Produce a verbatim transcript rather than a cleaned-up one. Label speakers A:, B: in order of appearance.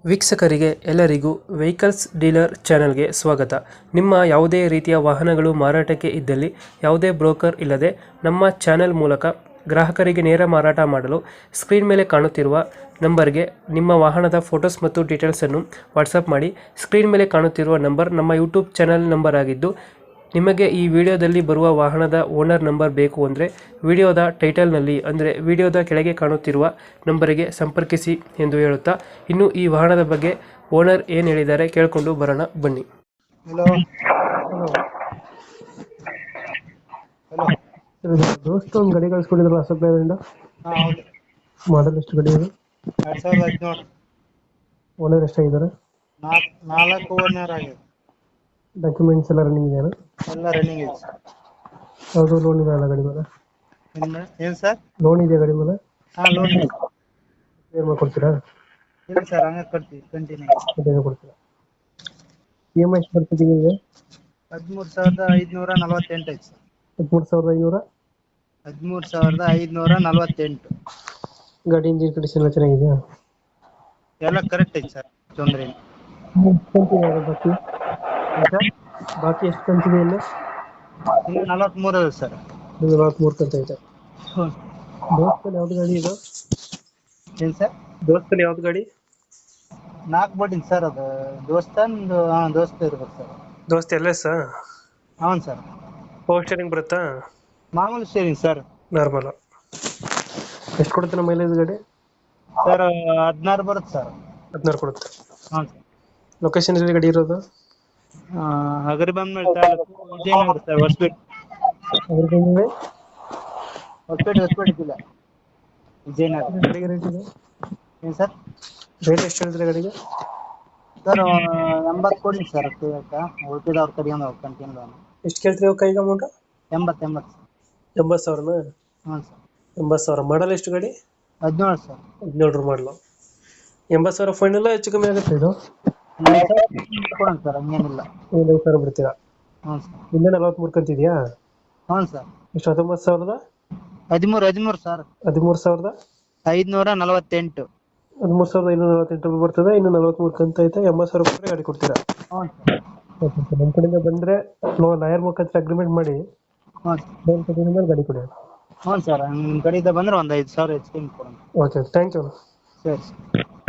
A: ವೀಕ್ಷಕರಿಗೆ ಎಲ್ಲರಿಗೂ vehicles dealer ಚಾನೆಲ್ಗೆ ಸ್ವಾಗತ. ನಿಮ್ಮ ಯಾವುದೇ ರೀತಿಯ ವಾಹನಗಳು ಮಾರಾಟಕ್ಕೆ ಇದ್ದಲ್ಲಿ ಯಾವುದೇ ಬ್ರೋಕರ್ ಇಲ್ಲದೆ ನಮ್ಮ ಚಾನೆಲ್ ಮೂಲಕ ಗ್ರಾಹಕರಿಗೆ ನೇರ ಮಾರಾಟ ಮಾಡಲು ಸ್ಕ್ರೀನ್ ಮೇಲೆ ಕಾಣುತ್ತಿರುವ ನಂಬರ್ಗೆ ನಿಮ್ಮ ವಾಹನದ ಫೋಟೋಸ್ ಮತ್ತು ಡೀಟೇಲ್ಸನ್ನು ವಾಟ್ಸಪ್ ಮಾಡಿ. ಸ್ಕ್ರೀನ್ ಮೇಲೆ ಕಾಣುತ್ತಿರುವ ನಂಬರ್ ನಮ್ಮ ಯೂಟ್ಯೂಬ್ ಚಾನೆಲ್ ನಂಬರ್ ಆಗಿದ್ದು, ನಿಮಗೆ ಈ ವಿಡಿಯೋದಲ್ಲಿ ಬರುವ ವಾಹನದ ಓನರ್ ನಂಬರ್ ಬೇಕು ಅಂದರೆ ವಿಡಿಯೋದ ಟೈಟಲ್ನಲ್ಲಿ ಅಂದರೆ ವಿಡಿಯೋದ ಕೆಳಗೆ ಕಾಣುತ್ತಿರುವ ನಂಬರಿಗೆ ಸಂಪರ್ಕಿಸಿ ಎಂದು ಹೇಳುತ್ತಾ, ಇನ್ನು ಈ ವಾಹನದ ಬಗ್ಗೆ ಓನರ್ ಏನು ಹೇಳಿದ್ದಾರೆ ಕೇಳಿಕೊಂಡು ಬರೋಣ ಬನ್ನಿ.
B: ಹಲೋ ಹಲೋ
A: ದೋಸ್ತ ಒಂದು ಗಾಡಿ ಕಳಿಸ್ಕೊಟ್ಟಿದ್ರಲ್ಲ ಅಶೋಕ್ ಲೇಲ್ಯಾಂಡ್,
B: ಹಾ ಹೌದು.
A: ಮಾಡಲ್ ಎಷ್ಟು ಗಾಡಿ ಇದೆ?
B: ಎರಡ್ ಸಾವಿರದ ಹದಿನೇಳು
A: ಓನರ್ ಎಷ್ಟಾಗಿದ್ದಾರೆ?
B: ನಾಲ್ಕು ನಾಲ್ಕು ಓನರ್ ಆಗಿದೆ.
A: ಡಾಕ್ಯುಮೆಂಟ್ಸ್ ಎಲ್ಲ ರನ್ನಿಂಗ್ ಇದೆಯಾ?
B: ಎಲ್ಲ ರನ್ನಿಂಗ್ ಇದೆ ಸರ್.
A: ಯಾವುದು ಲೋನ್ ಇದೆ ಅಲ್ಲ ಗಾಡಿ ಮೇಲೆ?
B: ಏನ್ ಏನ್ ಸರ್?
A: ಲೋನ್ ಇದೆಯಾ ಗಾಡಿ ಮೇಲೆ?
B: ಹಾ ಲೋನ್ ಇದೆ.
A: ಕ್ಲಿಯರ್ ಮಾಡ್ಕೊಡ್ತೀರಾ?
B: ಇಲ್ಲ ಸರ್, ಹಂಗೆ ಕೊಡ್ತೀವಿ ಕಂಟಿನ್ಯೂ.
A: ಅದೇನು ಕೊಡ್ತೀರಾ? ಇ ಎಮ್ ಐ ಎಷ್ಟು ಬರ್ತದೆ ನಿಮಗೆ?
B: ಹದಿಮೂರು ಸಾವಿರದ ಐದುನೂರ ನಲವತ್ತೆಂಟು ಐತೆ ಸರ್.
A: ಹದಿಮೂರು ಸಾವಿರದ ಐನೂರ
B: ಹದಿಮೂರು ಸಾವಿರದ ಐದುನೂರ ನಲವತ್ತೆಂಟು.
A: ಗಾಡಿ ಇಂಜಿನ್ ಕಂಡೀಷನ್ ಎಲ್ಲ ಚೆನ್ನಾಗಿದೆಯಾ?
B: ಎಲ್ಲ ಕರೆಕ್ಟ್ ಐತೆ ಸರ್, ತೊಂದರೆ ಇಲ್ಲ.
A: ಬಾಕಿ
B: ಏನ್ ಸರ್?
A: ಬಾಕಿ ಎಷ್ಟು ಕಂತಿದೆ ಇಲ್ಲ?
B: ಇನ್ನು ನಲವತ್ಮೂರು ಅದ ಸರ್.
A: ನಲವತ್ಮೂರು ಕಂತ ಐತೆ.
B: ಹ್ಞೂ.
A: ದೋಸ್ತಲ್ಲಿ ಯಾವ್ದು ಗಾಡಿ ಇದು?
B: ಏನ್ ಸರ್?
A: ದೋಸ್ತಲ್ಲಿ ಯಾವ್ದು ಗಾಡಿ?
B: ನಾಲ್ಕು ಬೋಟಿಂಗ್ ಸರ್, ಅದು ದೋಸ್ತಂದು. ಹಾ ದೋಸ್ತ ಇರ್ಬೇಕು ಸರ್.
A: ದೋಸ್ತ ಎಲ್ ಎಸ್?
B: ಹೌನ್ ಸರ್.
A: ಪವರ್ ಸ್ಟೇರಿಂಗ್ ಬರುತ್ತಾ?
B: ಮಾಮೂಲಿ ಸ್ಟೇರಿಂಗ್ ಸರ್.
A: ನಾರ್ಮಲ್. ಎಷ್ಟು ಕೊಡುತ್ತೆ ನಮ್ಮ ಮೈಲೇಜ್ ಗಾಡಿ?
B: ಸರ್ ಹದಿನಾರು ಬರುತ್ತೆ ಸರ್.
A: ಹದಿನಾರು ಕೊಡುತ್ತೆ.
B: ಹಾಂ ಸರ್.
A: ಲೊಕೇಶನ್ ಎಲ್ಲಿ ಗಾಡಿ ಇರೋದು?
B: ಹಗರಿಬೊಮ್ಮೆ ತಾಲೂಕು, ವಿಜಯನಗರ ಸರ್. ಹೊಸಪೇಟೆ
A: ಅದ್ರ
B: ಹೊಸಪೇಟೆ ಹೊಸಪೇಟೆ ಜಿಲ್ಲೆ, ವಿಜಯನಗರ.
A: ಗಾಡಿಗೆ ರೇಟ್ ಇದೆ?
B: ಏನು ಸರ್?
A: ರೇಟ್ ಎಷ್ಟು ಹೇಳಿದ್ರೆ ಗಾಡಿಗೆ?
B: ಸರ್ ಎಂಬತ್ತು ಕೊಡಿ ಸರ್. ಉಳ್ಕಿದವ್ರ ಕಡೆಯಿಂದ ಅವ್ರು ಕಂಟಿನ್ಯೂ.
A: ಎಷ್ಟು ಕೇಳ್ತೀರಿ ಅವ್ರ ಕೈಗೆ ಅಮೌಂಟ್?
B: ಎಂಬತ್ತು ಎಂಬತ್ತು ಸರ್.
A: ಎಂಬತ್ತು ಸಾವಿರನಾ?
B: ಹ್ಞೂ ಸರ್.
A: ಎಂಬತ್ತು ಸಾವಿರ. ಮಾಡಲ್ ಎಷ್ಟು ಗಾಡಿ?
B: ಹದಿನೇಳು ಸರ್.
A: ಹದಿನೇಳರ ಮಾಡಲು. ಎಂಬತ್ತು ಸಾವಿರ ಫೈನಲ್ ಹೆಚ್ಚು ಕಮ್ಮಿ ಆಗುತ್ತೆ ಇದು?
B: ಕೊಡೋಣ ಸರ್, ಹಂಗೇನಿಲ್ಲ.
A: ಒಂದು ಐದು ಸಾವಿರ ಬಿಡ್ತೀರಾ?
B: ಹ್ಞೂ ಸರ್.
A: ಇನ್ನೂ ನಲವತ್ಮೂರು ಕಂತಿದೆಯಾ?
B: ಹ್ಞೂ ಸರ್.
A: ಎಷ್ಟು? ಹತ್ತೊಂಬತ್ತು ಸಾವಿರದ
B: ಹದಿಮೂರು ಹದಿಮೂರು ಸರ್.
A: ಹದಿಮೂರು ಸಾವಿರದ
B: ಐದುನೂರ ನಲವತ್ತೆಂಟು.
A: ಹದಿಮೂರು ಸಾವಿರದ ಐನೂರ ನಲವತ್ತೆಂಟು ರೂಪಾಯಿ ಬರ್ತದೆ. ಇನ್ನು ನಲವತ್ಮೂರು ಕಂತ ಐತೆ. ಎಂಬತ್ತು ಸಾವಿರ ರೂಪಾಯಿ ಗಾಡಿ ಕೊಡ್ತೀರಾ?
B: ಹ್ಞೂ ಸರ್.
A: ಓಕೆ ಸರ್, ನಮ್ಮ ಕಡೆಯಿಂದ ಬಂದರೆ ಲಾಯರ್ ಮುಖಾಂತರ ಅಗ್ರಿಮೆಂಟ್ ಮಾಡಿ
B: ಹ್ಞೂ ಸರ್.
A: ಲೋನ್ ಮೇಲೆ ಗಾಡಿ ಕೊಡಿ.
B: ಹ್ಞೂ ಸರ್, ನಿಮ್ಮ ಕಡೆಯಿಂದ ಬಂದರೆ ಒಂದು ಐದು ಸಾವಿರ ಹೆಚ್ಚಿಗೆ ಕೊಡೋಣ.
A: Okay, thank you.
B: ಸರಿ ಸರ್.